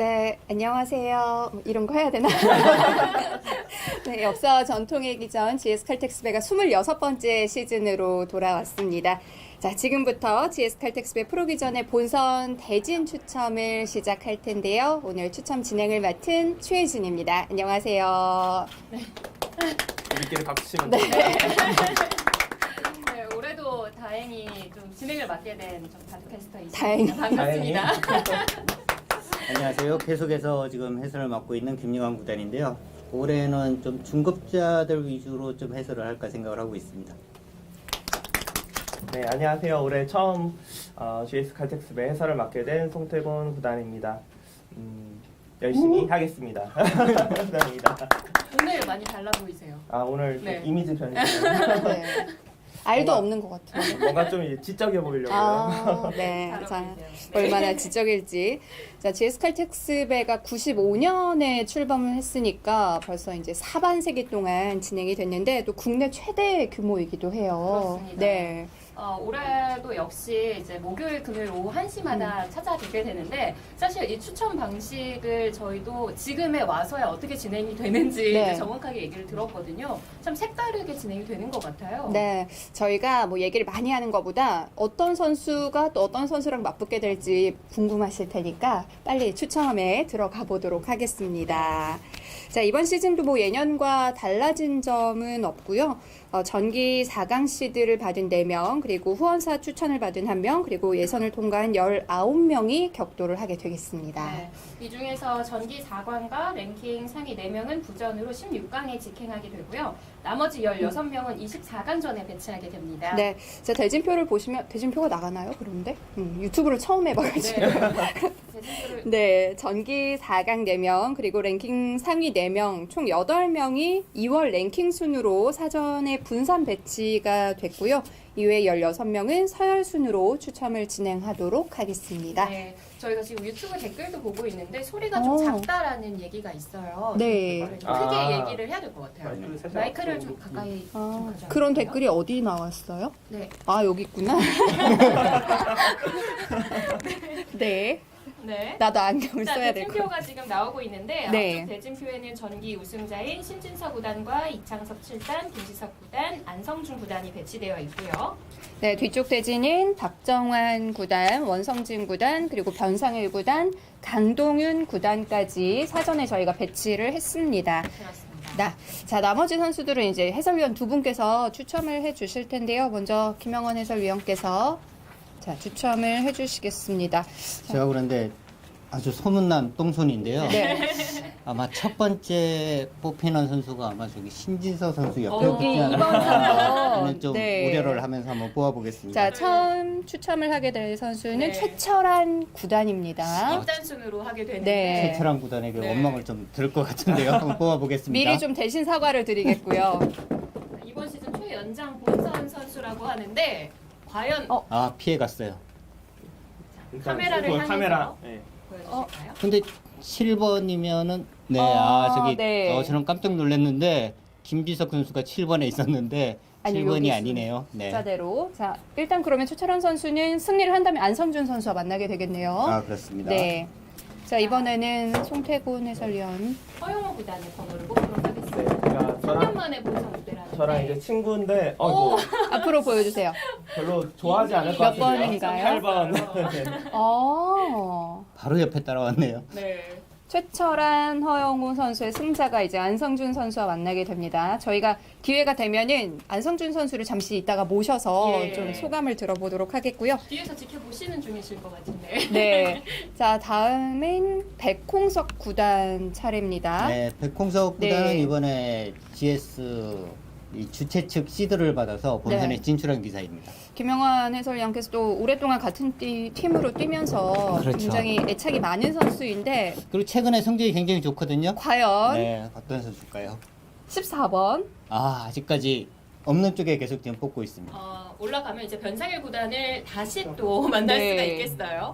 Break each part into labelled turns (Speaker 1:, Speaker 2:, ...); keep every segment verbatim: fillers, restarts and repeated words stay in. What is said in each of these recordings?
Speaker 1: 네, 안녕하세요. 뭐 이런 거 해야 되나? 네, 역사와 전통의 기전 지에스 칼텍스배가 스물여섯 번째 시즌으로 돌아왔습니다. 자, 지금부터 지에스 칼텍스배 프로기전의 본선 대진 추첨을 시작할 텐데요. 오늘 추첨 진행을 맡은 최혜진입니다. 안녕하세요.
Speaker 2: 네. 우리끼리 박수 치면
Speaker 1: 네.
Speaker 3: 네, 올해도 다행히 좀 진행을 맡게 된좀 바둑캐스터 있습니다.
Speaker 1: 다행히.
Speaker 3: 반갑습니다.
Speaker 4: 안녕하세요. 계속해서 지금 해설을 맡고 있는 김영환 구단인데요. 올해는 좀 중급자들 위주로 좀 해설을 할까 생각을 하고 있습니다.
Speaker 2: 네, 안녕하세요. 올해 처음 어, 지에스 칼텍스배 해설을 맡게 된 송태곤 구단입니다. 음, 열심히 하겠습니다. 감사합니다.
Speaker 3: 오늘 많이 달라 보이세요.
Speaker 2: 아, 오늘 좀
Speaker 3: 네.
Speaker 2: 이미지 변신.
Speaker 1: 네. 알도
Speaker 2: 뭔가-
Speaker 1: 없는 것 같아요.
Speaker 2: 뭔가 좀 이제 지적해 보이려고요.
Speaker 1: 아, 네.
Speaker 3: 잘
Speaker 1: 자,
Speaker 3: 어울리세요. 네.
Speaker 1: 얼마나 지적일지. 자, 지에스 칼텍스배가 구십오 년에 출범을 했으니까 벌써 이제 사반세기 동안 진행이 됐는데 또 국내 최대 규모이기도 해요.
Speaker 3: 그렇습니다.
Speaker 1: 네.
Speaker 3: 어, 올해도 역시 이제 목요일, 금요일 오후 한 시마다
Speaker 1: 음.
Speaker 3: 찾아뵙게 되는데 사실 이 추첨 방식을 저희도 지금에 와서야 어떻게 진행이 되는지
Speaker 1: 네.
Speaker 3: 이제 정확하게 얘기를 들었거든요. 참 색다르게 진행이 되는 것 같아요.
Speaker 1: 네, 저희가 뭐 얘기를 많이 하는 것보다 어떤 선수가 또 어떤 선수랑 맞붙게 될지 궁금하실 테니까 빨리 추첨에 들어가 보도록 하겠습니다. 자, 이번 시즌도 뭐 예년과 달라진 점은 없고요. 어, 전기 사 강 시드를 받은 네 명, 그리고 후원사 추천을 받은 한 명, 그리고 예선을 통과한 열아홉 명이 격돌을 하게 되겠습니다.
Speaker 3: 네. 이 중에서 전기 사 강과 랭킹 상위 네 명은 부전으로 십육 강에 직행하게 되고요. 나머지 열여섯 명은 이십사 강전에 배치하게 됩니다.
Speaker 1: 네, 자, 대진표를 보시면 대진표가 나가나요? 그런데 음, 유튜브를 처음 해봐가지고.
Speaker 3: 네. 대진표를
Speaker 1: 네, 전기 사 강 네 명, 그리고 랭킹 상위 네 명, 총 여덟 명이 이월 랭킹 순으로 사전에 분산 배치가 됐고요. 이외에 열여섯 명은 서열 순으로 추첨을 진행하도록 하겠습니다.
Speaker 3: 네, 저희가 지금 유튜브 댓글도 보고 있는데 소리가 좀
Speaker 1: 오.
Speaker 3: 작다라는 얘기가 있어요.
Speaker 1: 네.
Speaker 3: 이거를 좀
Speaker 2: 아.
Speaker 3: 크게 얘기를 해야 될 것 같아요.
Speaker 2: 마이크를 살짝
Speaker 3: 마이크를
Speaker 2: 앞으로
Speaker 3: 좀 가까이 좀
Speaker 1: 아,
Speaker 3: 가져와
Speaker 1: 그런
Speaker 3: 주세요.
Speaker 1: 댓글이 어디 나왔어요?
Speaker 3: 네.
Speaker 1: 아, 여기 있구나. 네,
Speaker 3: 네.
Speaker 1: 나도 안경을
Speaker 3: 자,
Speaker 1: 써야 될 것 같아요.
Speaker 3: 대진표가 지금 나오고 있는데
Speaker 1: 네.
Speaker 3: 앞쪽 대진표에는 전기 우승자인 신진서 구단과 이창섭 칠 단, 김지석 구단, 안성준 구단이 배치되어 있고요.
Speaker 1: 네, 뒤쪽 대진인 박정환 구단, 원성진 구단, 그리고 변상일 구단, 강동윤 구단까지 사전에 저희가 배치를 했습니다.
Speaker 3: 그렇습니다.
Speaker 1: 나, 자, 나머지 선수들은 이제 해설위원 두 분께서 추첨을 해 주실 텐데요. 먼저 김영원 해설위원께서 자, 추첨을 해 주시겠습니다.
Speaker 4: 제가 그런데 아주 소문난 똥손인데요.
Speaker 1: 네.
Speaker 4: 아마 첫 번째 뽑히는 선수가 아마 저기 신진서 선수 옆에
Speaker 3: 어,
Speaker 4: 붙지
Speaker 1: 여기
Speaker 4: 않을까
Speaker 1: 이번 삼 번.
Speaker 4: 하는 좀
Speaker 1: 네.
Speaker 4: 우려를 하면서 한번 뽑아보겠습니다.
Speaker 1: 자, 처음 추첨을 하게 될 선수는
Speaker 3: 네.
Speaker 1: 최철한 구단입니다.
Speaker 3: 입단 순으로 하게 되는데
Speaker 1: 네.
Speaker 4: 최철한 구단에게
Speaker 3: 네.
Speaker 4: 원망을 좀 들을 것 같은데요. 한번 뽑아보겠습니다.
Speaker 1: 미리 좀 대신 사과를 드리겠고요.
Speaker 3: 이번 시즌 최연장 본선 선수라고 하는데 과연
Speaker 1: 어.
Speaker 4: 아, 피해갔어요.
Speaker 2: 일단
Speaker 3: 카메라를
Speaker 2: 그거
Speaker 3: 향해서
Speaker 2: 카메라. 네.
Speaker 3: 보여주실까요?
Speaker 4: 근데 칠 번이면은 네,
Speaker 1: 어,
Speaker 4: 아 저기
Speaker 1: 네.
Speaker 4: 어, 저는 깜짝 놀랐는데 김지석 선수가 칠 번에 있었는데
Speaker 1: 아니,
Speaker 4: 칠 번이
Speaker 1: 여기
Speaker 4: 아니네요. 네.
Speaker 1: 자대로. 자, 일단 그러면 최철한 선수는 승리를 한다면 안성준 선수와 만나게 되겠네요.
Speaker 4: 아 그렇습니다.
Speaker 1: 네. 자, 이번에는 송태곤 해설위원.
Speaker 3: 허용호 구단의 번호를 뽑도록
Speaker 2: 네,
Speaker 3: 하겠습니다.
Speaker 2: 제가
Speaker 3: 삼 년
Speaker 2: 저랑
Speaker 3: 만에 본선 무대라는데
Speaker 2: 저랑 이제 친구인데
Speaker 3: 오!
Speaker 2: 어,
Speaker 1: 앞으로 보여주세요.
Speaker 2: 별로 좋아하지 않을 것
Speaker 1: 몇
Speaker 2: 같은데요.
Speaker 1: 번인가요?
Speaker 2: 팔 번. 네.
Speaker 1: 어.
Speaker 4: 바로 옆에 따라왔네요.
Speaker 3: 네.
Speaker 1: 최철한, 허영우 선수의 승자가 이제 안성준 선수와 만나게 됩니다. 저희가 기회가 되면은 안성준 선수를 잠시 이따가 모셔서
Speaker 3: 예.
Speaker 1: 좀 소감을 들어보도록 하겠고요.
Speaker 3: 뒤에서 지켜보시는 중이실 것 같은데.
Speaker 1: 네. 자, 다음은 백홍석 구단 차례입니다.
Speaker 4: 네, 백홍석
Speaker 1: 네.
Speaker 4: 구단은 이번에 지에스 이 주최 측 시드를 받아서 본선에
Speaker 1: 네.
Speaker 4: 진출한 기사입니다.
Speaker 1: 김영환 해설위원께서 또 오랫동안 같은 띠, 팀으로 뛰면서
Speaker 4: 그렇죠.
Speaker 1: 굉장히 애착이 많은 선수인데
Speaker 4: 그리고 최근에 성적이 굉장히 좋거든요.
Speaker 1: 과연
Speaker 4: 네, 어떤 선수일까요?
Speaker 1: 십사 번.
Speaker 4: 아 아직까지 없는 쪽에 계속 지금 뽑고 있습니다.
Speaker 3: 어, 올라가면 이제 변상일 구단을 다시 또 만날
Speaker 1: 네.
Speaker 3: 수가 있겠어요.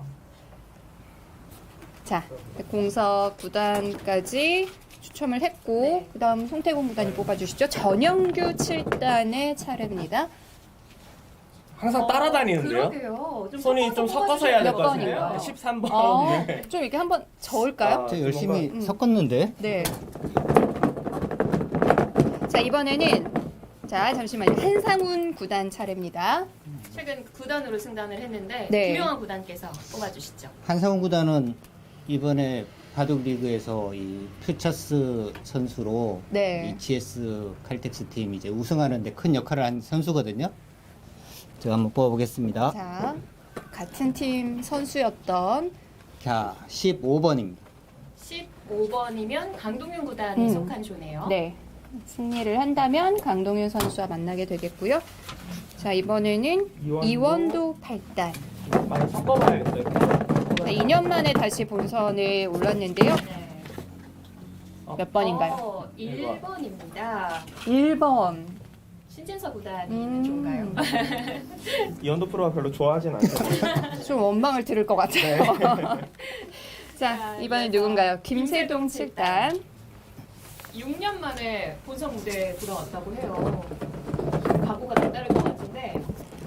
Speaker 1: 자, 백홍석 구단까지 추첨을 했고
Speaker 3: 네.
Speaker 1: 그다음 송태곤 구단이 뽑아주시죠. 전영규 칠 단의 차례입니다.
Speaker 2: 항상
Speaker 3: 어,
Speaker 2: 따라다니는데요.
Speaker 3: 그러게요. 좀
Speaker 2: 손이 좀 섞어서 해야 될 것
Speaker 1: 몇
Speaker 2: 같은데요.
Speaker 1: 번인가요?
Speaker 2: 십삼 번.
Speaker 1: 어,
Speaker 2: 네.
Speaker 1: 좀 이렇게 한번 저을까요?
Speaker 2: 아,
Speaker 4: 저
Speaker 2: 좀
Speaker 4: 열심히
Speaker 1: 뭔가-
Speaker 4: 섞었는데.
Speaker 1: 네. 자, 이번에는 자, 잠시만요. 한상훈 구단 차례입니다.
Speaker 3: 최근 구단으로 승단을 했는데
Speaker 1: 네.
Speaker 3: 김용환 구단께서 뽑아주시죠.
Speaker 4: 한상훈 구단은 이번에 바둑 리그에서 이 퓨처스 선수로
Speaker 1: 네.
Speaker 4: 이 지에스 칼텍스 팀 이제 우승하는데 큰 역할을 한 선수거든요. 제가 한번 뽑아보겠습니다.
Speaker 1: 자, 같은 팀 선수였던
Speaker 4: 자, 십오 번입니다.
Speaker 3: 십오 번이면 강동윤 구단이
Speaker 1: 음.
Speaker 3: 속한 조네요.
Speaker 1: 네. 승리를 한다면 강동윤 선수와 만나게 되겠고요. 자, 이번에는
Speaker 2: 이원도.
Speaker 1: 이원도 팔 단.
Speaker 2: 많이 섞어봐야겠어요.
Speaker 1: 네, 이 년 만에 다시 본선에 올랐는데요.
Speaker 3: 네.
Speaker 1: 몇 번인가요?
Speaker 3: 어, 일 번입니다.
Speaker 1: 일 번.
Speaker 3: 신진서 구단이
Speaker 1: 음.
Speaker 3: 좋은가요?
Speaker 2: 이원도 프로가 별로 좋아하진 않죠.
Speaker 1: 좀 원망을 들을 것 같아요. 자,
Speaker 3: 자,
Speaker 1: 이번엔
Speaker 3: 이어서
Speaker 1: 누군가요? 김세동 칠 단.
Speaker 3: 육 년 만에 본선 무대에 들어왔다고 해요. 각오가 남다를 것 같은데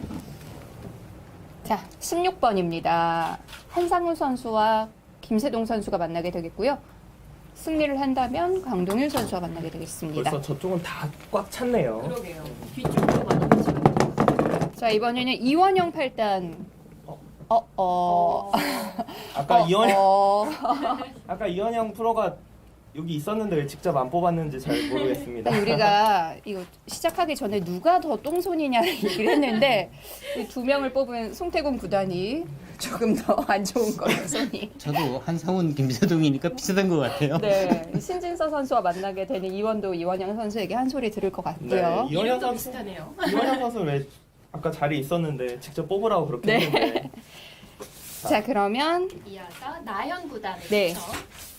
Speaker 1: 자, 십육 번입니다. 한상훈 선수와 김세동 선수가 만나게 되겠고요. 승리를 한다면 강동윤 선수와 만나게 되겠습니다.
Speaker 2: 벌써 저쪽은 다 꽉 찼네요.
Speaker 3: 그러게요. 뒤쪽으로 많이 미치거든요.
Speaker 1: 자, 이번에는 이원영 팔 단.
Speaker 2: 어.
Speaker 1: 어, 어.
Speaker 2: 아까
Speaker 1: 어,
Speaker 2: 이원영
Speaker 1: 어.
Speaker 2: 아까 이원영 프로가 여기 있었는데 왜 직접 안 뽑았는지 잘 모르겠습니다.
Speaker 1: 일단 우리가 이거 시작하기 전에 누가 더 똥손이냐 얘기를 했는데 이 두 명을 뽑은 송태곤 구단이 조금 더 안 좋은 거예요, 손이.
Speaker 4: 저도 한상훈, 김세동이니까 비슷한 것 같아요.
Speaker 1: 네, 신진서 선수와 만나게 되는 이원도 이원영 선수에게 한 소리 들을 것 같고요.
Speaker 2: 네, 이원영
Speaker 3: 이름도
Speaker 2: 선수
Speaker 3: 비슷하네요.
Speaker 2: 이원영 선수 왜 아까 자리에 있었는데 직접 뽑으라고 그렇게
Speaker 1: 네.
Speaker 2: 했는데
Speaker 1: 자, 그러면
Speaker 3: 이어서 나현 구단의
Speaker 1: 네.
Speaker 3: 추첨.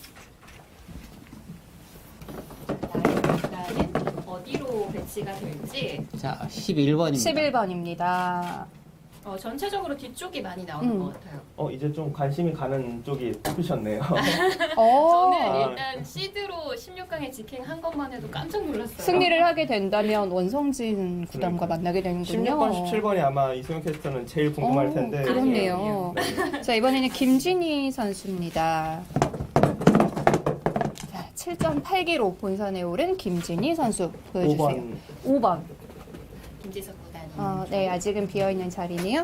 Speaker 3: 나현 구단은 어디로 배치가 될지
Speaker 4: 자, 십일 번입니다.
Speaker 1: 십일 번입니다.
Speaker 3: 어, 전체적으로 뒤쪽이 많이 나오는
Speaker 1: 음.
Speaker 3: 것 같아요.
Speaker 2: 어 이제 좀 관심이 가는 쪽이 뽑히셨네요.
Speaker 1: 어,
Speaker 3: 저는 일단 시드로 십육 강에 직행한 것만 해도 깜짝 놀랐어요.
Speaker 1: 승리를 하게 된다면 원성진 구단과 만나게 되는군요.
Speaker 2: 십육 번, 십칠 번이 아마 이소영 캐스터는 제일 궁금할
Speaker 1: 오,
Speaker 2: 텐데.
Speaker 1: 그렇네요.
Speaker 2: 네.
Speaker 1: 자, 이번에는 김진희 선수입니다. 자, 칠 점 팔 기로 본선에 오른 김진희 선수 보여주세요.
Speaker 2: 오 번.
Speaker 1: 오 번.
Speaker 3: 김지석 구단이.
Speaker 1: 어, 네, 아직은 비어있는 자리네요.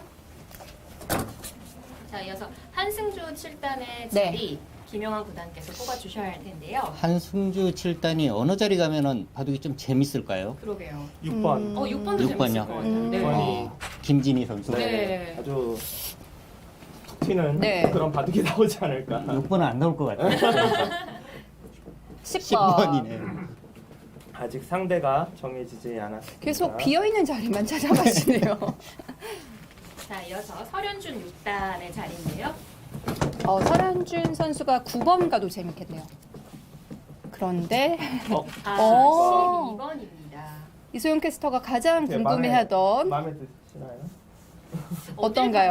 Speaker 3: 자, 이어서 한승주 칠 단의
Speaker 1: 네.
Speaker 3: 자리 김용환 구단께서 뽑아주셔야 할 텐데요.
Speaker 4: 한승주 칠 단이 어느 자리 가면은 바둑이 좀 재밌을까요?
Speaker 3: 그러게요.
Speaker 2: 육 번.
Speaker 1: 음.
Speaker 3: 어, 육 번도
Speaker 4: 육
Speaker 3: 재밌을
Speaker 4: 번이요?
Speaker 3: 것 같아요.
Speaker 1: 음.
Speaker 3: 네.
Speaker 2: 번이.
Speaker 4: 어, 김진희 선수.
Speaker 2: 네.
Speaker 3: 네.
Speaker 2: 아주 툭 튀는
Speaker 1: 네.
Speaker 2: 그런 바둑이 나오지 않을까.
Speaker 4: 육 번은 안 나올 것 같아요.
Speaker 1: 십 번.
Speaker 4: 십 번이네.
Speaker 2: 아직 상대가 정해지지 않았습니다.
Speaker 1: 계속 비어있는 자리만 찾아가시네요.
Speaker 3: 자, 이어서 설현준 육 단의 자리인데요.
Speaker 1: 어, 설현준 선수가 구 번 가도 재밌겠네요. 그런데
Speaker 2: 어,
Speaker 3: 아,
Speaker 1: 어.
Speaker 3: 십이 번입니다.
Speaker 1: 이소영 캐스터가 가장
Speaker 2: 어떻게
Speaker 1: 궁금해하던
Speaker 2: 마음에 드시나요?
Speaker 1: 어떤가요?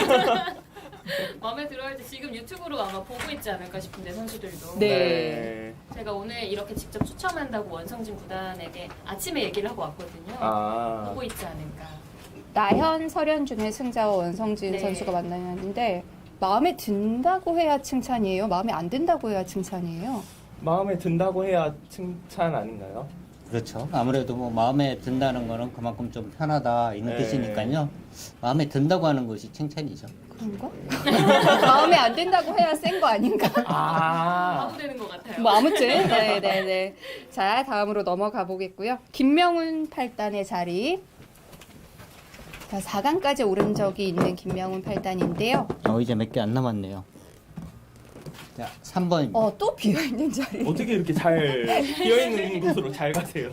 Speaker 3: 마음에 들어야지 지금 유튜브로 아마 보고 있지 않을까 싶은데 선수들도.
Speaker 1: 네.
Speaker 3: 제가 오늘 이렇게 직접 추첨한다고 원성진 구단에게 아침에 얘기를 하고 왔거든요.
Speaker 2: 아.
Speaker 3: 보고 있지 않을까.
Speaker 1: 나현, 설현준의 승자와 원성진
Speaker 3: 네.
Speaker 1: 선수가 만나는데 마음에 든다고 해야 칭찬이에요? 마음에 안 든다고 해야 칭찬이에요?
Speaker 2: 마음에 든다고 해야 칭찬 아닌가요?
Speaker 4: 그렇죠. 아무래도 뭐 마음에 든다는 거는 그만큼 좀 편하다 이런
Speaker 2: 네.
Speaker 4: 뜻이니까요. 마음에 든다고 하는 것이 칭찬이죠.
Speaker 1: 그런가? 마음에 안 든다고 해야 센 거 아닌가?
Speaker 2: 아.
Speaker 3: 바보 되는 것 같아요.
Speaker 1: 뭐 아무튼 네네네. 자, 다음으로 넘어가 보겠고요. 김명훈 팔 단의 자리. 자, 사 강까지 오른 적이 있는 김명훈 팔 단인데요.
Speaker 4: 어, 이제 몇 개 안 남았네요. 자, 삼 번입니다.
Speaker 1: 어, 또 비어있는 자리.
Speaker 2: 어떻게 이렇게 잘 비어있는 곳으로 잘 가세요?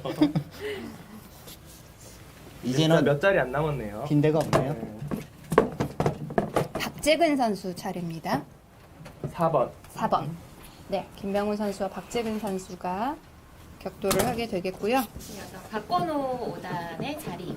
Speaker 4: 이제는
Speaker 2: 몇 자리 안 남았네요.
Speaker 4: 빈 데가 없네요.
Speaker 2: 네.
Speaker 1: 박재근 선수 차례입니다.
Speaker 2: 사 번.
Speaker 1: 사 번. 네, 김명훈 선수와 박재근 선수가 격돌을 하게 되겠고요.
Speaker 3: 이어서 박건호 오 단의 자리.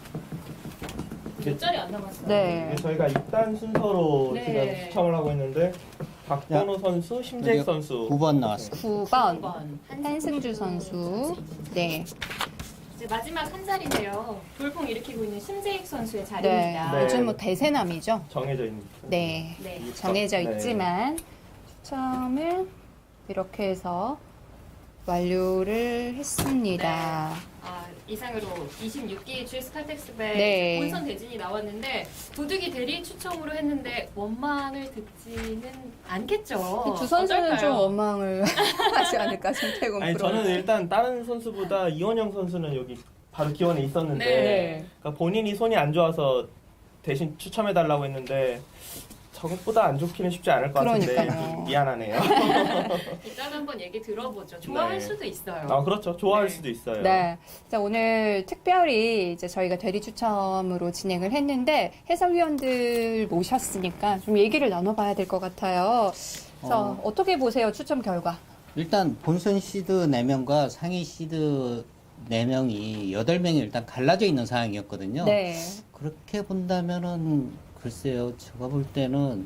Speaker 3: 몇 자리 안 남았어요.
Speaker 1: 네.
Speaker 2: 저희가 육 단 순서로
Speaker 3: 네.
Speaker 2: 지금 추첨을 하고 있는데 박건호 선수, 심재익
Speaker 4: 여기
Speaker 2: 선수
Speaker 4: 구 번 나왔어요.
Speaker 1: 구
Speaker 3: 구
Speaker 1: 번.
Speaker 3: 번
Speaker 1: 한승주 선수. 네.
Speaker 3: 이제 마지막 한 자리인데요. 돌풍 일으키고 있는 심재익 선수의
Speaker 1: 네.
Speaker 3: 자리입니다.
Speaker 2: 네.
Speaker 1: 요즘 뭐 대세남이죠.
Speaker 2: 정해져 있는.
Speaker 1: 네.
Speaker 3: 네.
Speaker 1: 정해져
Speaker 2: 네.
Speaker 1: 있지만 추첨을 이렇게 해서 완료를 했습니다.
Speaker 3: 아, 이상으로 이십육 기 지에스 칼텍스배
Speaker 1: 네.
Speaker 3: 본선 대진이 나왔는데 부득이 대리 추첨으로 했는데 원망을 듣지는 않겠죠.
Speaker 1: 두 선수는
Speaker 3: 어떨까요?
Speaker 1: 좀 원망을 하지 않을까, 송태곤
Speaker 2: 아니
Speaker 1: 프로.
Speaker 2: 저는 일단 다른 선수보다 이원영 선수는 여기 바로 기원에 있었는데
Speaker 3: 네.
Speaker 2: 그러니까 본인이 손이 안 좋아서 대신 추첨해 달라고 했는데 저것보다 안 좋기는 쉽지 않을 것 같은데
Speaker 1: 그러니까요.
Speaker 2: 좀 미안하네요.
Speaker 3: 일단 한번 얘기 들어보죠. 좋아할
Speaker 2: 네.
Speaker 3: 수도 있어요.
Speaker 2: 아 그렇죠. 좋아할
Speaker 3: 네.
Speaker 2: 수도 있어요.
Speaker 1: 네. 자, 오늘 특별히 이제 저희가 대리 추첨으로 진행을 했는데 해설위원들 모셨으니까 좀 얘기를 나눠봐야 될 것 같아요. 자,
Speaker 4: 어.
Speaker 1: 어떻게 보세요, 추첨 결과?
Speaker 4: 일단 본선 시드 네 명과 상위 시드 네 명이 여덟 명이 일단 갈라져 있는 상황이었거든요.
Speaker 1: 네.
Speaker 4: 그렇게 본다면은 글쎄요, 제가 볼 때는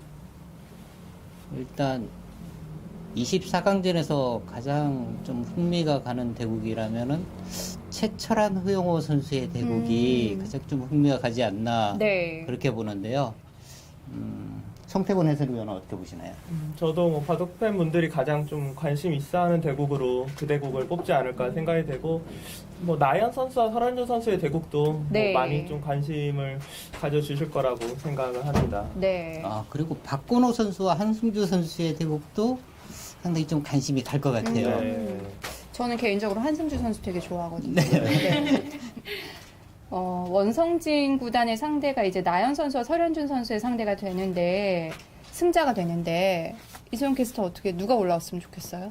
Speaker 4: 일단 이십사 강전에서 가장 좀 흥미가 가는 대국이라면은 최철한 허용호 선수의 대국이
Speaker 1: 음.
Speaker 4: 가장 좀 흥미가 가지 않나
Speaker 1: 네.
Speaker 4: 그렇게 보는데요. 음, 송태곤 해설위원은 어떻게 보시나요?
Speaker 2: 저도 뭐 바둑 팬분들이 가장 좀 관심 있어하는 대국으로 그 대국을 뽑지 않을까 생각이 되고 뭐 나연 선수와 설현준 선수의 대국도
Speaker 1: 네.
Speaker 2: 뭐 많이 좀 관심을 가져주실 거라고 생각을 합니다.
Speaker 1: 네.
Speaker 4: 아, 그리고 박건호 선수와 한승주 선수의 대국도 상당히 좀 관심이 갈 것 같아요.
Speaker 1: 음.
Speaker 2: 네.
Speaker 1: 저는 개인적으로 한승주 선수 되게 좋아하거든요.
Speaker 4: 네.
Speaker 1: 네. 어, 원성진 구단의 상대가 이제 나연 선수와 설현준 선수의 상대가 되는데 승자가 되는데 이소영 캐스터 어떻게 누가 올라왔으면 좋겠어요?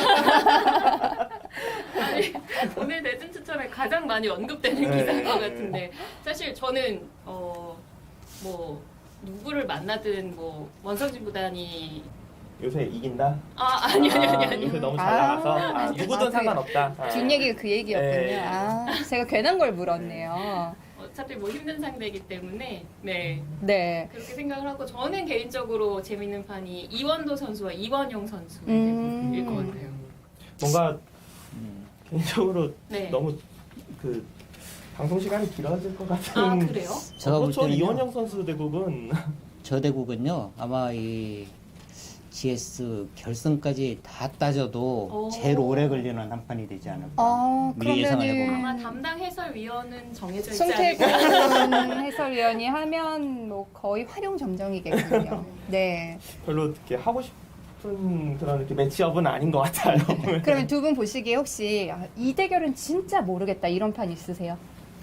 Speaker 3: 아니, 오늘 대진 추첨에 가장 많이 언급되는
Speaker 2: 네.
Speaker 3: 기사인 것 같은데 사실 저는 어, 뭐 누구를 만나든 뭐 원성진 구단이
Speaker 2: 요새 이긴다?
Speaker 3: 아 아니 아니 아니 아니
Speaker 2: 요새 너무 잘
Speaker 1: 아.
Speaker 2: 나가서 아, 누구든
Speaker 1: 아, 그
Speaker 2: 상관없다. 아.
Speaker 1: 뒷얘기가 그 얘기였군요.
Speaker 2: 네.
Speaker 1: 아, 제가 괜한 걸 물었네요.
Speaker 3: 어차피 뭐 힘든 상대이기 때문에 네
Speaker 1: 네.
Speaker 3: 그렇게 생각을 하고 저는 개인적으로 재밌는 판이 이원도 선수와 이원용 선수일
Speaker 1: 음.
Speaker 3: 것 같아요.
Speaker 2: 뭔가
Speaker 4: 음.
Speaker 2: 개인적으로
Speaker 3: 네.
Speaker 2: 너무 그 방송 시간이 길어질 것 같은.
Speaker 3: 아 그래요?
Speaker 4: 제가 볼
Speaker 2: 그렇죠.
Speaker 4: 때는요.
Speaker 2: 이원영 선수 대국은
Speaker 4: 저 대국은요, 아마 이 지에스 결승까지 다 따져도
Speaker 3: 오.
Speaker 4: 제일 오래 걸리는 한 판이 되지 않을까.
Speaker 1: 어,
Speaker 4: 미리 예상을 해보면.
Speaker 3: 아마
Speaker 1: 그러면은
Speaker 3: 담당 해설위원은 정해져 있지
Speaker 1: 송태곤
Speaker 3: 않을까.
Speaker 1: 해설위원이 하면 뭐 거의 활용점정이겠군요. 네.
Speaker 2: 별로 이렇게 하고 싶은 그런 이렇게 매치업은 아닌 것 같아요.
Speaker 1: 그러면 두 분 보시기에 혹시 아, 이 대결은 진짜 모르겠다 이런 판 있으세요?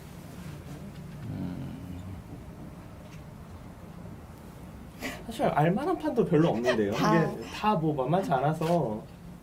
Speaker 2: 사실 알만한 판도 별로 없는데요.
Speaker 1: 다.
Speaker 2: 이게 다 뭐 만만치 않아서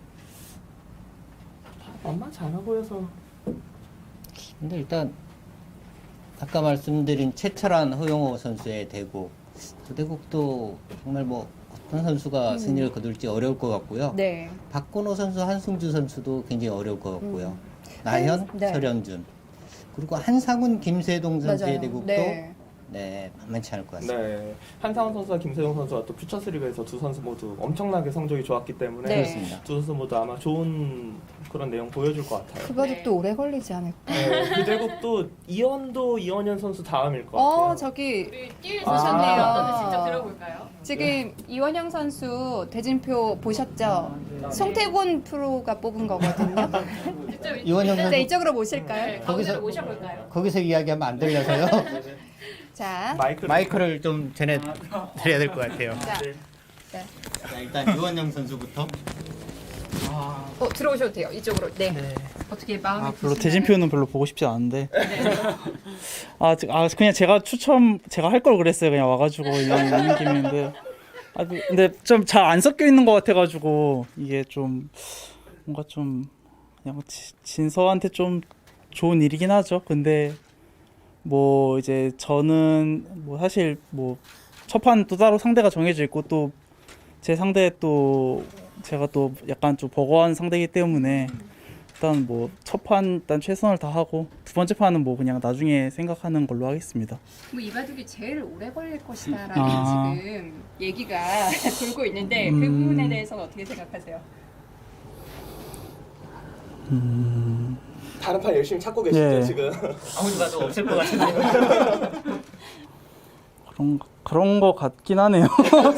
Speaker 2: 다 만만치 않아 보여서.
Speaker 4: 근데 일단 아까 말씀드린 최철한 허용호 선수의 대국, 그 대국도 정말 뭐 어떤 선수가
Speaker 1: 음.
Speaker 4: 승리를 거둘지 어려울 것 같고요.
Speaker 1: 네.
Speaker 4: 박건호 선수, 한승주 선수도 굉장히 어려울 것 같고요.
Speaker 1: 음.
Speaker 4: 나현,
Speaker 1: 한- 네.
Speaker 4: 설현준, 그리고 한상훈, 김세동 선수의
Speaker 1: 맞아요.
Speaker 4: 대국도
Speaker 1: 네.
Speaker 4: 네, 만만치 않을 것 같습니다.
Speaker 2: 네. 한상훈 선수와 김세용 선수가 또 퓨처스리그에서 두 선수 모두 엄청나게 성적이 좋았기 때문에
Speaker 1: 네.
Speaker 4: 그렇습니다.
Speaker 2: 두 선수 모두 아마 좋은 그런 내용 보여줄 것 같아요.
Speaker 1: 그 바둑도 오래 걸리지 않을까?
Speaker 2: 네, 그 대국도 이원도 이원현 선수 다음일 것 같아요.
Speaker 1: 어, 저기
Speaker 3: 우리 뛸
Speaker 2: 아.
Speaker 3: 선수인데요. 어떤지 직접 들어볼까요?
Speaker 1: 지금 이원영 선수 대진표 보셨죠? 송태곤 프로가 뽑은 거거든요.
Speaker 3: 직접
Speaker 4: 이원영
Speaker 1: 자,
Speaker 4: 선수
Speaker 1: 이쪽으로
Speaker 3: 네,
Speaker 1: 모실까요?
Speaker 3: 가운데로
Speaker 4: 거기서-
Speaker 3: 모셔볼까요?
Speaker 4: 거기서 이야기하면 안 들려서요.
Speaker 1: 자,
Speaker 2: 마이크
Speaker 4: 마이크를 좀 전해 드려야 될 것 같아요.
Speaker 1: 자,
Speaker 4: 자, 일단 유원영 선수부터.
Speaker 1: 어, 들어오셔도 돼요. 이쪽으로. 네. 어떻게 마음이
Speaker 5: 아, 별로
Speaker 1: 드시나요?
Speaker 5: 대진표는 별로 보고 싶지 않은데. 아, 지- 아, 그냥 제가 추첨 제가 할 걸 그랬어요. 그냥 와가지고 이왕 있는 김인데. 아, 그- 근데 좀 잘 안 섞여 있는 것 같아가지고 이게 좀 뭔가 좀 그냥 지- 진서한테 좀 좋은 일이긴 하죠. 근데 뭐 이제 저는 뭐 사실 뭐 첫판 또 따로 상대가 정해져 있고 또 제 상대 또 제가 또 약간 좀 버거운 상대이기 때문에 일단 뭐 첫 판 일단 최선을 다하고 두 번째 판은 뭐 그냥 나중에 생각하는 걸로 하겠습니다.
Speaker 1: 뭐 이 바둑이 제일 오래 걸릴 것이다라는
Speaker 5: 아.
Speaker 1: 지금 얘기가 돌고 있는데 그
Speaker 5: 음.
Speaker 1: 부분에 대해서는 어떻게 생각하세요?
Speaker 2: 다른 판 열심히 찾고 계시죠
Speaker 5: 예.
Speaker 2: 지금.
Speaker 4: 아무리 봐도 없을 것 같은데요.
Speaker 5: 그런 그런 거 같긴 하네요.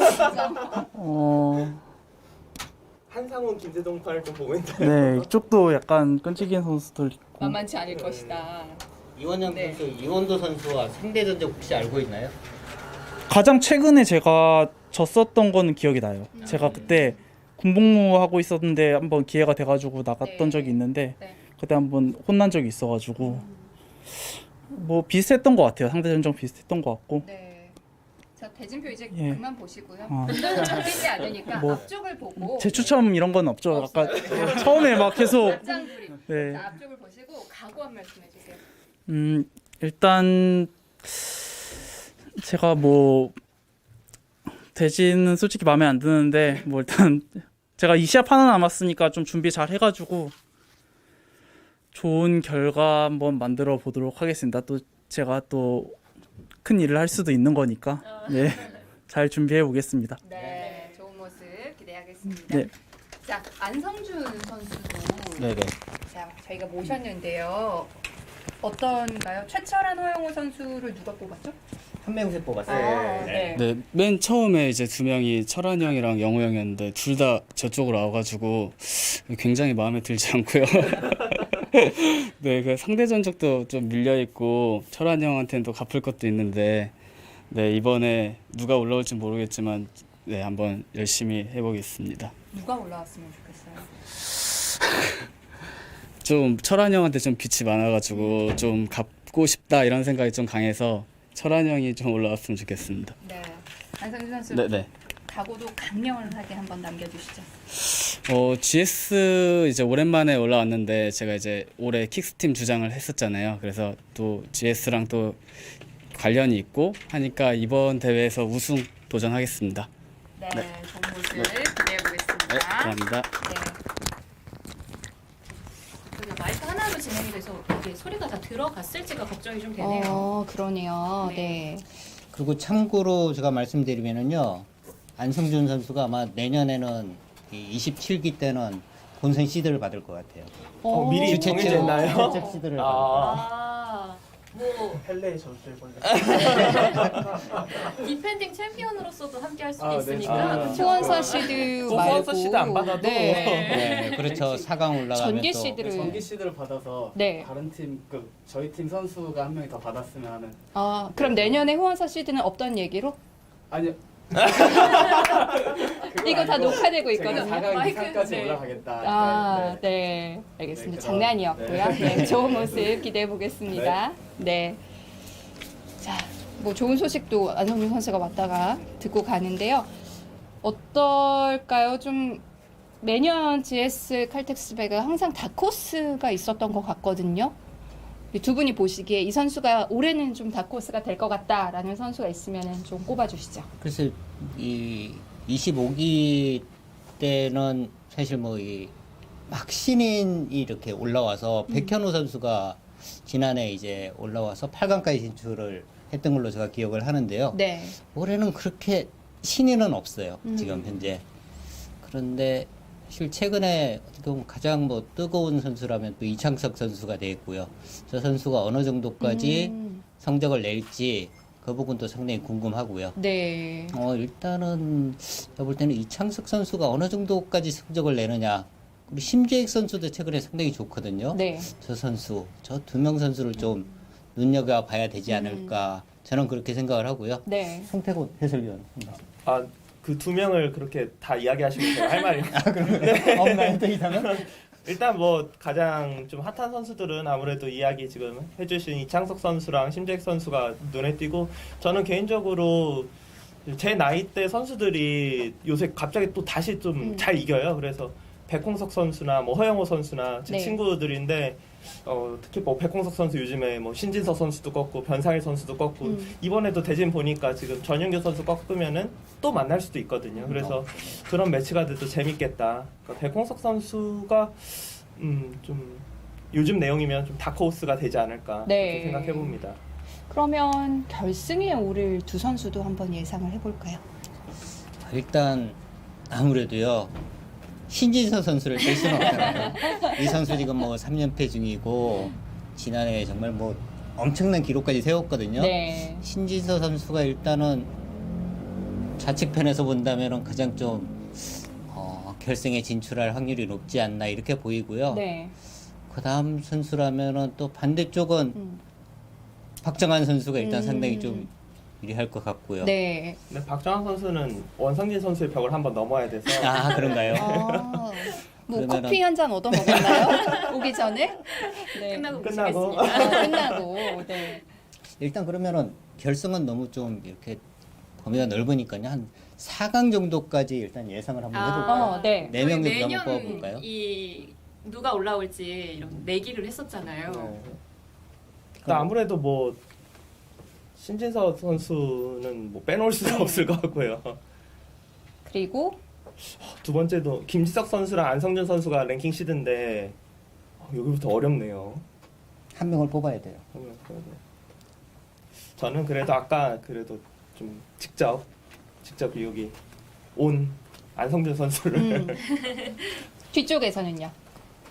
Speaker 5: 어,
Speaker 2: 한상훈, 김재동 판을 좀 보고 있다.
Speaker 5: 네 이쪽도 약간 끈질긴 선수들 있고.
Speaker 1: 만만치 않을 것이다.
Speaker 4: 이원영
Speaker 1: 네.
Speaker 4: 선수, 이원도 선수와 상대 전적 혹시 알고 있나요?
Speaker 5: 가장 최근에 제가 졌었던 거는 기억이 나요. 제가 그때 군복무 하고 있었는데 한번 기회가 돼가지고 나갔던
Speaker 1: 네.
Speaker 5: 적이 있는데
Speaker 1: 네.
Speaker 5: 그때 한번 혼난 적이 있어가지고 뭐 비슷했던 것 같아요. 상대 전적 비슷했던 것 같고.
Speaker 1: 네. 자 대진표 이제
Speaker 5: 예.
Speaker 1: 그만 보시고요.
Speaker 5: 아.
Speaker 1: 눈 잡히지 않으니까
Speaker 5: 뭐,
Speaker 1: 앞쪽을 보고
Speaker 5: 제 추첨 이런 건 없죠. 아까 처음에 막 계속
Speaker 1: 앞장 그림.
Speaker 5: 네.
Speaker 1: 자, 앞쪽을 보시고 각오 한 말씀 해주세요.
Speaker 5: 음 일단 제가 뭐 대진은 솔직히 마음에 안 드는데 뭐 일단 제가 이 시합 하나 남았으니까 좀 준비 잘 해가지고 좋은 결과 한번 만들어 보도록 하겠습니다. 또 제가 또 큰 일을 할 수도 있는 거니까 네, 잘 준비해 보겠습니다.
Speaker 1: 네, 좋은 모습 기대하겠습니다.
Speaker 5: 네.
Speaker 1: 자 안성준 선수도
Speaker 4: 네네.
Speaker 1: 자 저희가 모셨는데요. 어떤가요? 최철한, 허영우 선수를 누가 뽑았죠?
Speaker 4: 한 명씩 뽑았어요.
Speaker 1: 아, 네.
Speaker 6: 네, 맨 처음에 이제 두 명이 철한 형이랑 영호 형이었는데 둘 다 저쪽으로 와가지고 굉장히 마음에 들지 않고요. 네, 그 상대 전적도 좀 밀려 있고 철한 형한테는 또 갚을 것도 있는데 네 이번에 누가 올라올지 모르겠지만 네 한번 열심히 해보겠습니다.
Speaker 1: 누가 올라왔으면 좋겠어요.
Speaker 6: 좀 철한 형한테 좀 빚이 많아가지고 좀 갚고 싶다 이런 생각이 좀 강해서 철한 형이 좀 올라왔으면 좋겠습니다.
Speaker 1: 네, 안성준 선수
Speaker 6: 네네.
Speaker 1: 각오도 강렬하게 한번 남겨주시죠.
Speaker 6: 어, 지에스 이제 오랜만에 올라왔는데 제가 이제 올해 킥스팀 주장을 했었잖아요. 그래서 또 지에스랑 또 관련이 있고 하니까 이번 대회에서 우승 도전하겠습니다.
Speaker 1: 네, 좋은 모습 기대해 보겠습니다.
Speaker 6: 네, 감사합니다.
Speaker 1: 네.
Speaker 3: 그리고 마이크 하나로 진행이 돼서 이게 소리가 다 들어갔을지가 걱정이 좀 되네요.
Speaker 1: 어, 그러네요.
Speaker 3: 네.
Speaker 1: 네.
Speaker 4: 그리고 참고로 제가 말씀드리면은요, 안성준 선수가 아마 내년에는 이 이십칠 기 때는 본선 시드를 받을 것 같아요.
Speaker 2: 어, 미리
Speaker 1: 오.
Speaker 2: 정해져 있나요?
Speaker 4: 최적 시드를 받을 것 같아요.
Speaker 2: 아,
Speaker 3: 아, 뭐
Speaker 2: 헬레에 졌을 건데.
Speaker 3: 디펜딩 챔피언으로서도 함께 할 수
Speaker 2: 아, 네.
Speaker 3: 있으니까
Speaker 2: 아.
Speaker 3: 그쵸?
Speaker 1: 후원서 시드
Speaker 2: 또
Speaker 1: 말고
Speaker 2: 후원서 시드 안 받아도.
Speaker 1: 네.
Speaker 4: 네, 그렇죠. 사 강 올라가면
Speaker 1: 전기
Speaker 4: 또
Speaker 1: 시드를
Speaker 7: 전기 시드를 받아서
Speaker 1: 네.
Speaker 7: 다른 팀, 그 저희 팀 선수가 한 명이 더 받았으면 하는.
Speaker 1: 아, 그럼 내년에 후원서 시드는 없던 얘기로?
Speaker 7: 아니요.
Speaker 1: 이거 다 녹화되고 있거든요.
Speaker 7: 제가 사 강
Speaker 3: 마이크,
Speaker 7: 이상까지
Speaker 3: 네.
Speaker 7: 올라가겠다.
Speaker 1: 아,
Speaker 7: 네.
Speaker 1: 네. 알겠습니다.
Speaker 7: 네,
Speaker 1: 장난이었고요.
Speaker 7: 네.
Speaker 1: 네, 좋은 모습 기대해 보겠습니다. 네. 자, 뭐 좋은 소식도 안성준 선수가 왔다가 듣고 가는데요. 어떨까요? 좀 매년 지에스 칼텍스배가 항상 다코스가 있었던 것 같거든요. 두 분이 보시기에 이 선수가 올해는 좀 다코스가 될 것 같다라는 선수가 있으면 좀 꼽아주시죠.
Speaker 4: 그래서 이 이십오 기 때는 사실 뭐 이 막 신인이 이렇게 올라와서 백현우 선수가 지난해 이제 올라와서 팔 강까지 진출을 했던 걸로 제가 기억을 하는데요.
Speaker 1: 네.
Speaker 4: 올해는 그렇게 신인은 없어요.
Speaker 1: 음.
Speaker 4: 지금 현재. 그런데 사실 최근에 어떻게 보면 가장 뭐 뜨거운 선수라면 또 이창석 선수가 돼 있고요. 저 선수가 어느 정도까지
Speaker 1: 음,
Speaker 4: 성적을 낼지 그 부분도 상당히 궁금하고요.
Speaker 1: 네.
Speaker 4: 어 일단은 제가 볼 때는 이창석 선수가 어느 정도까지 성적을 내느냐. 그리고 심재익 선수도 최근에 상당히 좋거든요.
Speaker 1: 네.
Speaker 4: 저 선수, 저 두 명 선수를 좀 눈여겨 봐야 되지 않을까. 저는 그렇게 생각을 하고요.
Speaker 1: 네.
Speaker 4: 송태곤 해설위원. 한 말씀.
Speaker 2: 아, 그 두 명을 그렇게 다 이야기하시면 제가 할 말이
Speaker 4: 없나요? 또 이상은?
Speaker 2: 일단 뭐 가장 좀 핫한 선수들은 아무래도 이야기 지금 해주신 이창석 선수랑 심재익 선수가 눈에 띄고, 저는 개인적으로 제 나이대 선수들이 요새 갑자기 또 다시 좀 잘
Speaker 1: 음.
Speaker 2: 이겨요. 그래서 백홍석 선수나 뭐 허영호 선수나 제
Speaker 1: 네.
Speaker 2: 친구들인데 어, 특히 뭐 백홍석 선수 요즘에 뭐 신진서 선수도 꺾고 변상일 선수도 꺾고
Speaker 1: 음.
Speaker 2: 이번에도 대진 보니까 지금 전윤규 선수 꺾으면은 또 만날 수도 있거든요. 그래서 그런 매치가 돼도 재밌겠다. 그러니까 백홍석 선수가 음, 좀 요즘 내용이면 좀 다크호스가 되지 않을까
Speaker 1: 네.
Speaker 2: 그렇게 생각해 봅니다.
Speaker 1: 그러면 결승에 오를 두 선수도 한번 예상을 해볼까요?
Speaker 4: 일단 아무래도요. 신진서 선수를 뺄 수는 없잖아요. 이 선수 지금 뭐 삼 연패 중이고 지난해 정말 뭐 엄청난 기록까지 세웠거든요.
Speaker 1: 네.
Speaker 4: 신진서 선수가 일단은 좌측편에서 본다면 가장 좀 어, 결승에 진출할 확률이 높지 않나 이렇게 보이고요.
Speaker 1: 네.
Speaker 4: 그 다음 선수라면은 또 반대쪽은
Speaker 1: 음.
Speaker 4: 박정환 선수가 일단
Speaker 1: 음.
Speaker 4: 상당히 좀 유리할 것 같고요.
Speaker 1: 네.
Speaker 2: 근데 박정환 선수는 원상진 선수의 벽을 한번 넘어야 돼서
Speaker 4: 아 그런가요?
Speaker 1: 아, 뭐
Speaker 4: 그러면은-
Speaker 1: 커피 한 잔 얻어 먹었나요? 오기 전에? 네.
Speaker 3: 끝나고
Speaker 2: 끝나고.
Speaker 3: 모시겠습니다.
Speaker 1: 아, 끝나고. 네.
Speaker 4: 일단 그러면은 결승은 너무 좀 이렇게 범위가 넓으니까요. 한 사 강 정도까지 일단 예상을 한번 해볼까요?
Speaker 1: 어, 네.
Speaker 4: 네 명
Speaker 3: 저희
Speaker 4: 정도 한번
Speaker 3: 매년
Speaker 4: 뽑아볼까요?
Speaker 3: 이 누가 올라올지 이런 내기를 했었잖아요.
Speaker 2: 네. 근데 아무래도 뭐 신진서 선수는 뭐 빼놓을 수가
Speaker 1: 네.
Speaker 2: 없을 것 같고요.
Speaker 1: 그리고
Speaker 2: 두 번째도 김지석 선수랑 안성준 선수가 랭킹 시드인데 어, 여기부터 어렵네요.
Speaker 4: 한 명을 뽑아야 돼요.
Speaker 2: 저는 그래도 아까 그래도 좀 직접 직접 여기 온 안성준 선수를
Speaker 1: 음. 뒤쪽에서는요.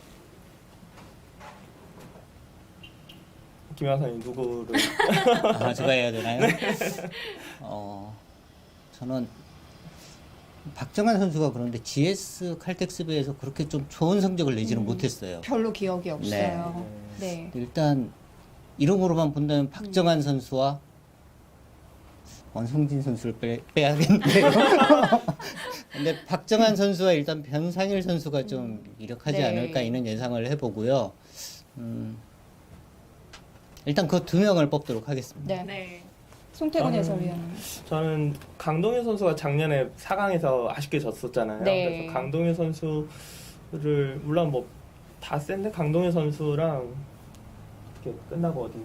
Speaker 2: 김영선이 누구를
Speaker 4: 아, 제가 해야 되나요? 어, 저는 박정환 선수가 그런데 지에스 칼텍스비에서 그렇게 좀 좋은 성적을 내지는
Speaker 1: 음.
Speaker 4: 못했어요.
Speaker 1: 별로 기억이 없어요. 네.
Speaker 4: 일단 이름으로만 본다면 박정환 선수와 원성진 선수를 빼, 빼야겠는데요. 근데 박정환 선수와 일단 변상일 선수가 좀 이력하지
Speaker 1: 네.
Speaker 4: 않을까 이런 예상을 해보고요. 음, 일단 그 두 명을 뽑도록 하겠습니다.
Speaker 1: 네.
Speaker 3: 네.
Speaker 1: 송태곤
Speaker 2: 저는-
Speaker 1: 해설위원.
Speaker 2: 저는 강동현 선수가 작년에 사 강에서 아쉽게 졌었잖아요.
Speaker 1: 네.
Speaker 2: 그래서 강동현 선수를 물론 뭐 다 센데 강동현 선수랑 어떻게 끝나고 어디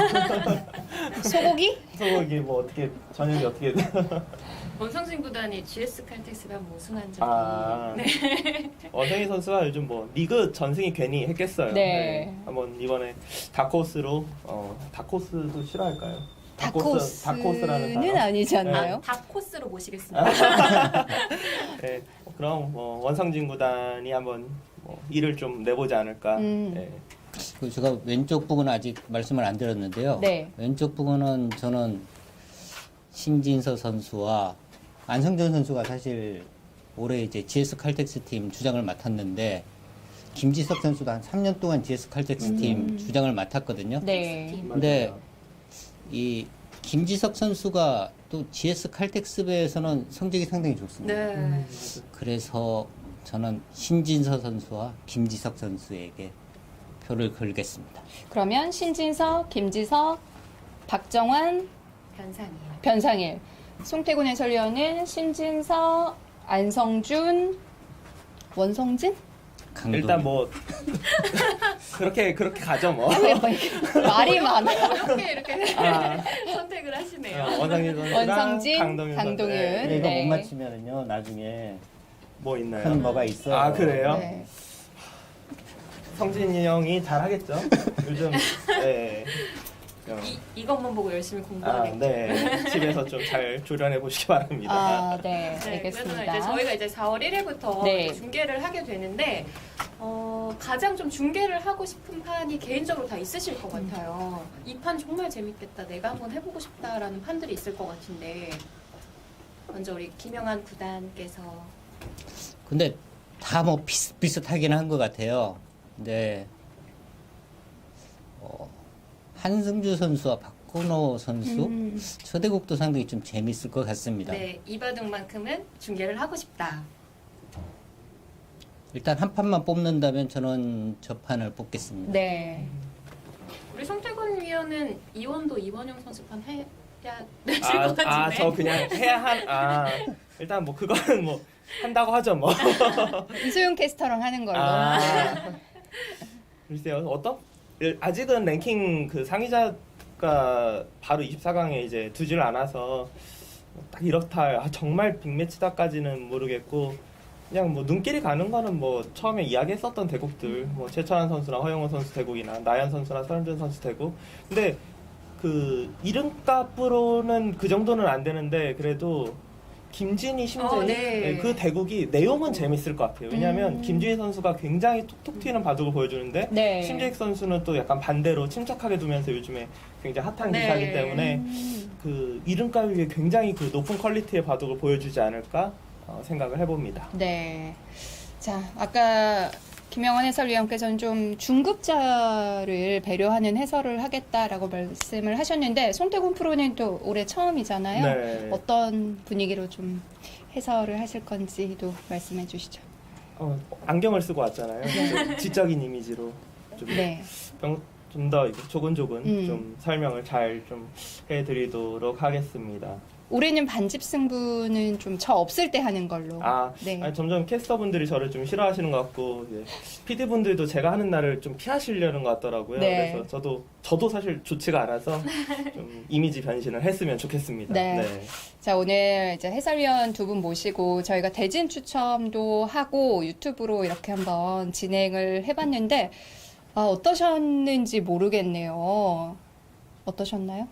Speaker 1: 소고기?
Speaker 2: 소고기 뭐 어떻게 저녁이 어떻게
Speaker 3: 원성진 구단이 지에스 칼텍스가 뭐 우승한 적이
Speaker 2: 아
Speaker 3: 네.
Speaker 2: 원성희 선수가 요즘 뭐 리그 전승이 괜히 했겠어요.
Speaker 1: 네.
Speaker 2: 한번 이번에 다코스로 어 다코스도 싫어할까요?
Speaker 1: 다코스,
Speaker 2: 다코스라는
Speaker 1: 다코스는
Speaker 2: 단어.
Speaker 1: 아니지 않나요?
Speaker 3: 다 코스로 모시겠습니다.
Speaker 2: 네, 그럼 뭐 원성진 구단이 한번 뭐 일을 좀 내보지 않을까.
Speaker 1: 음.
Speaker 2: 네.
Speaker 4: 그 제가 왼쪽 부분은 아직 말씀을 안 드렸는데요.
Speaker 1: 네.
Speaker 4: 왼쪽 부분은 저는 신진서 선수와 안성준 선수가 사실 올해 이제 지에스 칼텍스 팀 주장을 맡았는데 김지석 선수도 한 삼 년 동안 지에스 칼텍스 팀
Speaker 1: 음.
Speaker 4: 주장을 맡았거든요.
Speaker 1: 네.
Speaker 4: 근데
Speaker 2: 맞아요.
Speaker 4: 이 김지석 선수가 또 지에스 칼텍스배에서는 성적이 상당히 좋습니다.
Speaker 3: 네.
Speaker 4: 그래서 저는 신진서 선수와 김지석 선수에게 표를 걸겠습니다.
Speaker 1: 그러면 신진석, 김지석, 박정환,
Speaker 3: 변상이에요.
Speaker 1: 변상일. 송태곤 해설위원은 신진석, 안성준, 원성진?
Speaker 4: 강동.
Speaker 2: 일단 뭐 그렇게 그렇게 가죠 뭐.
Speaker 1: 왜 뭐 이렇게 말이 많아요.
Speaker 3: 어렵게 이렇게
Speaker 2: 아,
Speaker 3: 선택을 하시네요.
Speaker 2: 어, 원상진 선수랑
Speaker 1: 원성진,
Speaker 2: 강동현 선수.
Speaker 1: 강동윤.
Speaker 2: 네.
Speaker 4: 근데 이거
Speaker 1: 네.
Speaker 4: 못 맞히면은요 나중에
Speaker 2: 뭐 있나요?
Speaker 4: 큰 뭐가 있어요.
Speaker 2: 아 그래요?
Speaker 1: 네.
Speaker 2: 성진이 형이 잘하겠죠. 요즘 네. 어.
Speaker 3: 이 이것만 보고 열심히
Speaker 2: 아,
Speaker 3: 공부하겠죠.
Speaker 2: 네. 집에서 좀 잘 조련해 보시기 바랍니다.
Speaker 1: 아, 네.
Speaker 3: 네, 그래서
Speaker 1: 알겠습니다.
Speaker 3: 이제 저희가 이제 사월 일일부터
Speaker 1: 네.
Speaker 3: 중계를 하게 되는데 어, 가장 좀 중계를 하고 싶은 판이 개인적으로 다 있으실 것 같아요. 이 판 정말 재밌겠다. 내가 한번 해보고 싶다라는 판들이 있을 것 같은데 먼저 우리 김영환 구단께서
Speaker 4: 근데 다 뭐 비슷비슷하긴 한 것 같아요. 근데 어, 한승주 선수와 박건호 선수
Speaker 1: 음.
Speaker 4: 초대국도 상당히 좀 재밌을 것 같습니다.
Speaker 3: 네 이바둑만큼은 중계를 하고 싶다.
Speaker 4: 일단 한 판만 뽑는다면 저는 저 판을 뽑겠습니다.
Speaker 1: 네.
Speaker 3: 우리 송태곤 위원은 이원도 이원영 선수판 해야 되실 것
Speaker 2: 아,
Speaker 3: 같은데.
Speaker 2: 아, 저 그냥 해야 한, 아, 일단 뭐 그거는 뭐 한다고 하죠 뭐.
Speaker 1: 이소영 캐스터랑 하는 걸로.
Speaker 2: 아, 글쎄요, 어떤? 아직은 랭킹 그 상위자가 바로 이십사 강에 이제 두질 않아서 딱 이렇다, 아, 정말 빅매치다까지는 모르겠고, 그냥 뭐 눈길이 가는 거는 뭐 처음에 이야기했었던 대국들, 뭐 최철환 선수나 허영호 선수 대국이나 나연 선수나 서른준 선수 대국. 근데 그 이름값으로는 그 정도는 안 되는데 그래도 김진희, 심재희
Speaker 3: 어, 네.
Speaker 2: 네, 그 대국이 내용은 재밌을 것 같아요. 왜냐하면
Speaker 1: 음.
Speaker 2: 김진희 선수가 굉장히 톡톡 튀는 바둑을 보여주는데
Speaker 1: 네.
Speaker 2: 심재희 선수는 또 약간 반대로 침착하게 두면서 요즘에 굉장히 핫한
Speaker 3: 네.
Speaker 2: 기사이기 때문에
Speaker 1: 음.
Speaker 2: 그 이름값 위에 굉장히 그 높은 퀄리티의 바둑을 보여주지 않을까 어, 생각을 해봅니다.
Speaker 1: 네. 자, 아까 김영원 해설위원께서는 좀 중급자를 배려하는 해설을 하겠다라고 말씀을 하셨는데 송태곤 프로는 또 올해 처음이잖아요.
Speaker 2: 네.
Speaker 1: 어떤 분위기로 좀 해설을 하실 건지도 말씀해 주시죠.
Speaker 2: 어, 안경을 쓰고 왔잖아요. 지적인 이미지로 좀
Speaker 1: 네.
Speaker 2: 좀 더 조근조근
Speaker 1: 음.
Speaker 2: 좀 설명을 잘 좀 해드리도록 하겠습니다.
Speaker 1: 올해는 반집 승부는 좀 저 없을 때 하는 걸로.
Speaker 2: 아,
Speaker 1: 네.
Speaker 2: 아니, 점점 캐스터분들이 저를 좀 싫어하시는 것 같고 피디분들도 제가 하는 날을 좀 피하시려는 것 같더라고요.
Speaker 1: 네.
Speaker 2: 그래서 저도 저도 사실 좋지가 않아서 좀 이미지 변신을 했으면 좋겠습니다.
Speaker 1: 네. 자, 오늘 이제 해설위원 두 분 모시고 저희가 대진 추첨도 하고 유튜브로 이렇게 한번 진행을 해봤는데 아, 어떠셨는지 모르겠네요. 어떠셨나요?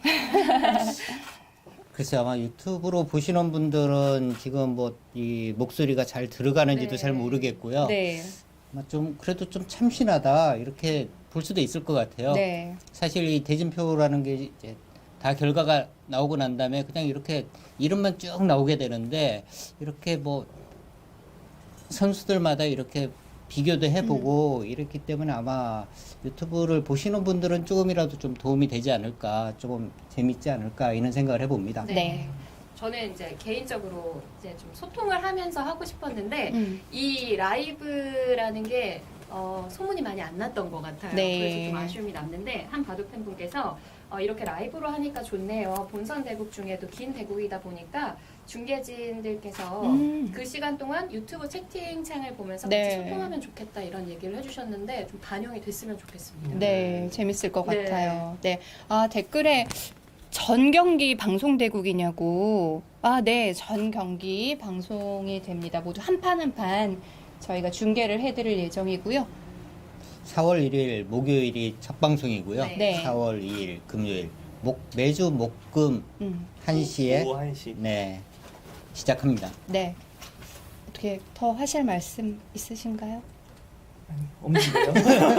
Speaker 4: 글쎄 아마 유튜브로 보시는 분들은 지금 뭐 이 목소리가 잘 들어가는지도
Speaker 3: 네.
Speaker 4: 잘 모르겠고요.
Speaker 1: 네.
Speaker 4: 아마 좀 그래도 좀 참신하다 이렇게 볼 수도 있을 것 같아요.
Speaker 1: 네.
Speaker 4: 사실 이 대진표라는 게 이제 다 결과가 나오고 난 다음에 그냥 이렇게 이름만 쭉 나오게 되는데 이렇게 뭐 선수들마다 이렇게 비교도 해보고
Speaker 1: 음.
Speaker 4: 이랬기 때문에 아마 유튜브를 보시는 분들은 조금이라도 좀 도움이 되지 않을까, 조금 재밌지 않을까 이런 생각을 해봅니다.
Speaker 3: 네.
Speaker 1: 네.
Speaker 3: 저는 이제 개인적으로 이제 좀 소통을 하면서 하고 싶었는데
Speaker 1: 음.
Speaker 3: 이 라이브라는 게 어, 소문이 많이 안 났던 것 같아요.
Speaker 1: 네.
Speaker 3: 그래서 좀 아쉬움이 남는데 한 바둑 팬분께서 어, 이렇게 라이브로 하니까 좋네요. 본선 대국 중에도 긴 대국이다 보니까 중계진들께서
Speaker 1: 음.
Speaker 3: 그 시간 동안 유튜브 채팅창을 보면서
Speaker 1: 네.
Speaker 3: 같이 소통하면 좋겠다 이런 얘기를 해주셨는데 좀 반영이 됐으면 좋겠습니다.
Speaker 1: 네, 재밌을 것
Speaker 3: 네.
Speaker 1: 같아요. 네. 아, 댓글에 전 경기 방송되국이냐고. 아, 네. 전 경기 방송이 됩니다. 모두 한 판 한 판 저희가 중계를 해드릴 예정이고요.
Speaker 4: 사월 일일 목요일이 첫 방송이고요.
Speaker 3: 네.
Speaker 1: 네.
Speaker 4: 사월 이일 금요일 목 매주 목금
Speaker 1: 음,
Speaker 4: 한 시에
Speaker 2: 오후 한 시.
Speaker 4: 네 시작합니다.
Speaker 1: 네. 어떻게 더 하실 말씀 있으신가요?
Speaker 2: 없는데요?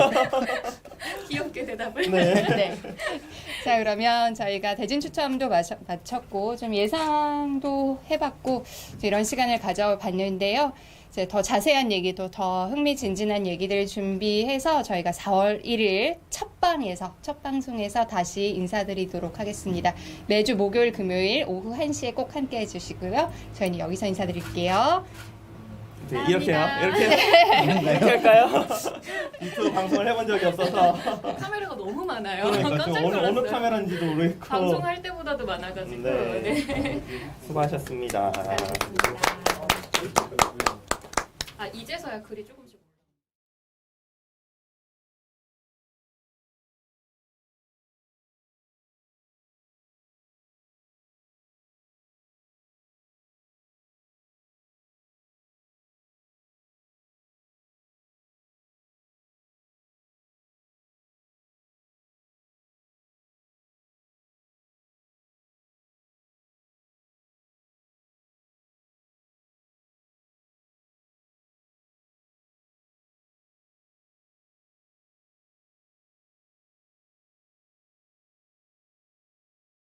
Speaker 3: 귀엽게 대답을.
Speaker 2: 네.
Speaker 1: 네. 자, 그러면 저희가 대진 추첨도 마쳐, 마쳤고 좀 예상도 해봤고 이런 시간을 가져봤는데요. 이제 더 자세한 얘기도 더 흥미진진한 얘기들 준비해서 저희가 사월 일일 첫 방에서 첫 방송에서 다시 인사드리도록 하겠습니다. 매주 목요일 금요일 오후 한 시에 꼭 함께 해주시고요. 저희는 여기서 인사드릴게요.
Speaker 2: 네, 이렇게요?
Speaker 3: 감사합니다.
Speaker 2: 이렇게 이렇게 할까요? 유튜브 방송을 해본 적이 없어서
Speaker 3: 카메라가 너무 많아요.
Speaker 2: 그러니까
Speaker 3: 깜짝
Speaker 2: 좀 어느
Speaker 3: 놀랐어요.
Speaker 2: 어느 카메라인지도 모르겠고
Speaker 3: 방송할 때보다도 많아가지고.
Speaker 2: 네.
Speaker 3: 네.
Speaker 2: 수고하셨습니다.
Speaker 3: 잘했습니다. 아 이제서야 글이 조금.